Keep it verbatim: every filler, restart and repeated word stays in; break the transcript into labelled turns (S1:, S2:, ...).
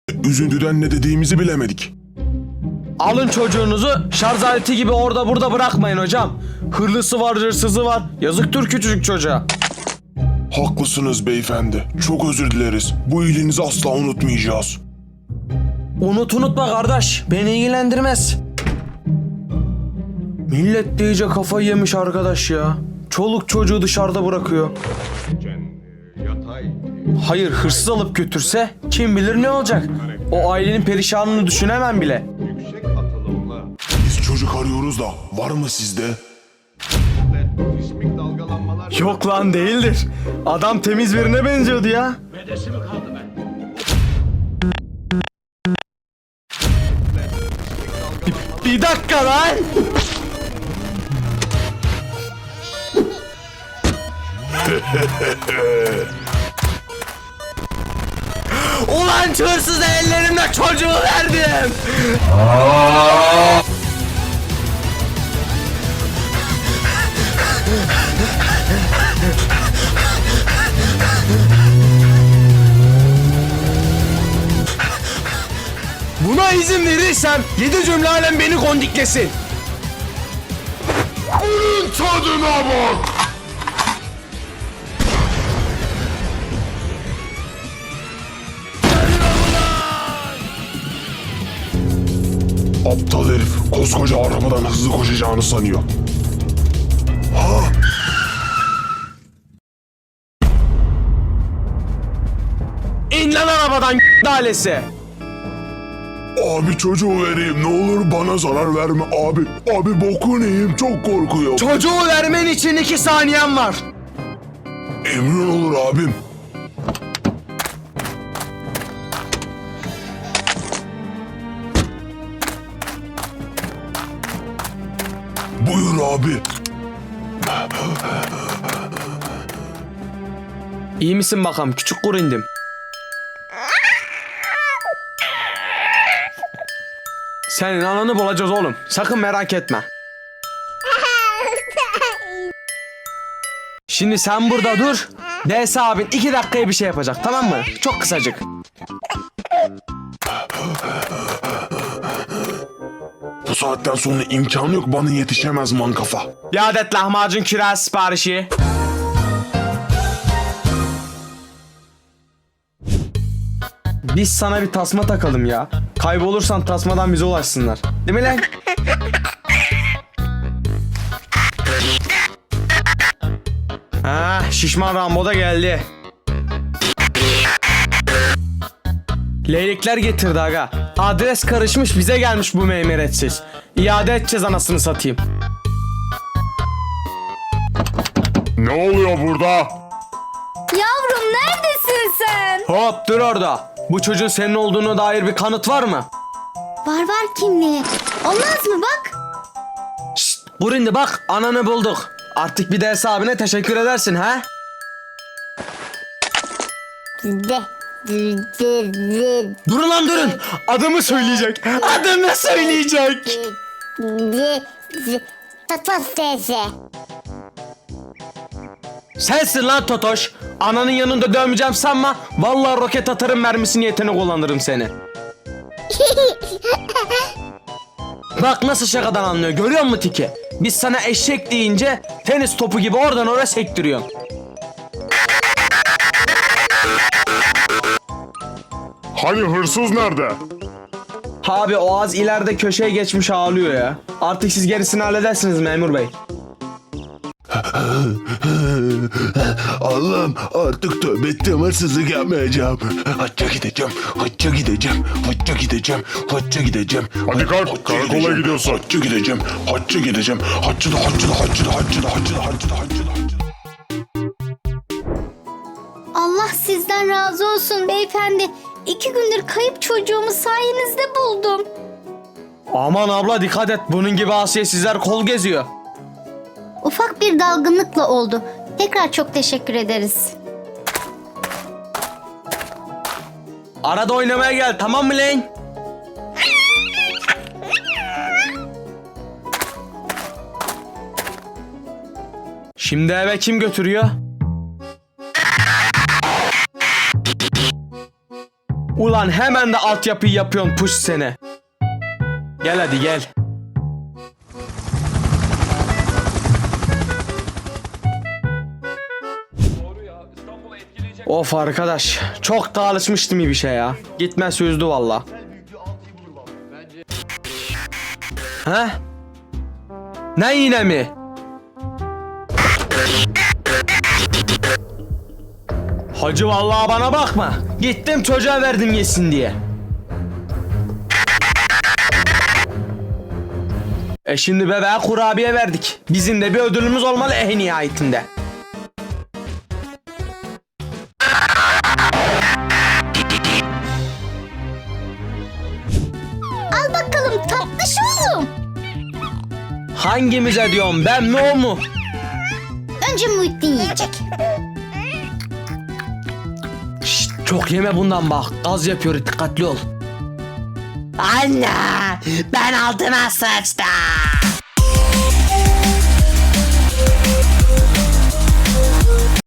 S1: Üzüntüden ne dediğimizi bilemedik.
S2: Alın çocuğunuzu şarj aleti gibi orada burada bırakmayın hocam. Hırlısı var, hırsızı var. Yazıktır küçücük çocuğa.
S1: Haklısınız beyefendi. Çok özür dileriz. Bu iyiliğinizi asla unutmayacağız.
S2: Unut unutma kardeş. Beni ilgilendirmez. Millet de iyice kafayı yemiş arkadaş ya. Çoluk çocuğu dışarıda bırakıyor. Hayır, hırsız alıp götürse kim bilir ne olacak? O ailenin perişanını düşünemem bile.
S1: Biz çocuk arıyoruz da var mı sizde?
S2: Yok lan, değildir. Adam temiz birine benziyordu ya. Bir, bir dakika lan. Ulan hırsız ellerimle çocuğu verdim. Buna izin verirsem yedi cümle alem beni kondiklesin.
S1: Bunun tadına bak! Aptal herif koskoca arabadan hızlı koşacağını sanıyor. Ha?
S2: İn lan arabadan dalesi.
S1: Abi çocuğu vereyim ne olur bana zarar verme abi. Abi bokun yiyeyim çok korkuyorum.
S2: Çocuğu vermen için iki saniyen var.
S1: Emrin olur abim. Buyur abi.
S2: İyi misin bakalım küçük kurindim? Senin ananı bulacağız oğlum. Sakın merak etme. Şimdi sen burada dur. D S abin iki dakikaya bir şey yapacak, tamam mı? Çok kısacık.
S1: Bu saatten sonra imkanı yok bana yetişemez mankafa.
S2: Bir adet lahmacun kiraz siparişi. Biz sana bir tasma takalım ya. Kaybolursan tasmadan bize ulaşsınlar. Değil mi lan? Ha, şişman Rambo da geldi. Leylekler getirdi aga. Adres karışmış, bize gelmiş bu meymeretsiz. İade edeceğiz anasını satayım.
S1: Ne oluyor burada?
S3: Yavrum neredesin sen?
S2: Hop dur orada. Bu çocuğun senin olduğuna dair bir kanıt var mı?
S3: Var var kimliği. Olmaz mı bak?
S2: Şşt, Burindi bak, ananı bulduk. Artık bir de abine teşekkür edersin ha?
S3: De, de, de, de,
S2: Durun lan durun. Adımı söyleyecek. Adımı söyleyecek.
S3: de, de. Tatmas teyze.
S2: Sensin lan Totoş. Ananın yanında dövmeyeceğim sanma. Vallahi roket atarım, mermisi niyetine kullanırım seni. Bak nasıl şakadan anlıyor, görüyor musun Tiki? Biz sana eşek deyince tenis topu gibi oradan oraya sektiriyorsun.
S1: Hani hırsız nerede?
S2: Abi o az ileride köşeye geçmiş ağlıyor ya. Artık siz gerisini halledersiniz memur bey.
S1: Allah'ım artık tövbe ettim, hırsızlık yapmayacağım. Hacca gideceğim, hacca gideceğim, hacca gideceğim, hacca gideceğim. Hadi kalk, karakola gidiyorsun. Hacca gideceğim, hacca gideceğim. Hacca da hacca da hacca da hacca da hacca da hacca da hacca da hacca da.
S3: Allah sizden razı olsun beyefendi. İki gündür kayıp çocuğumu sayenizde buldum.
S2: Aman abla dikkat et, bunun gibi asiyetsizler kol geziyor.
S3: Ufak bir dalgınlıkla oldu. Tekrar çok teşekkür ederiz.
S2: Arada oynamaya gel, tamam mı lan? Şimdi eve kim götürüyor? Ulan hemen de altyapıyı yapıyorsun puş seni. Gel hadi gel. Of arkadaş, çok da alışmıştım iyi bir şey ya. Gitme sözdü valla. He? Ne yine mi? Hacı vallahi bana bakma. Gittim çocuğa verdim yesin diye. E şimdi bebeğe kurabiye verdik. Bizim de bir ödülümüz olmalı en nihayetinde.
S3: Al bakalım tatlış oğlum.
S2: Hangimize diyorum, ben mi o mu?
S3: Önce Muhittin yiyecek.
S2: Şşt, çok yeme bundan bak. Gaz yapıyor, dikkatli ol.
S4: Anne, ben altıma sıçtım.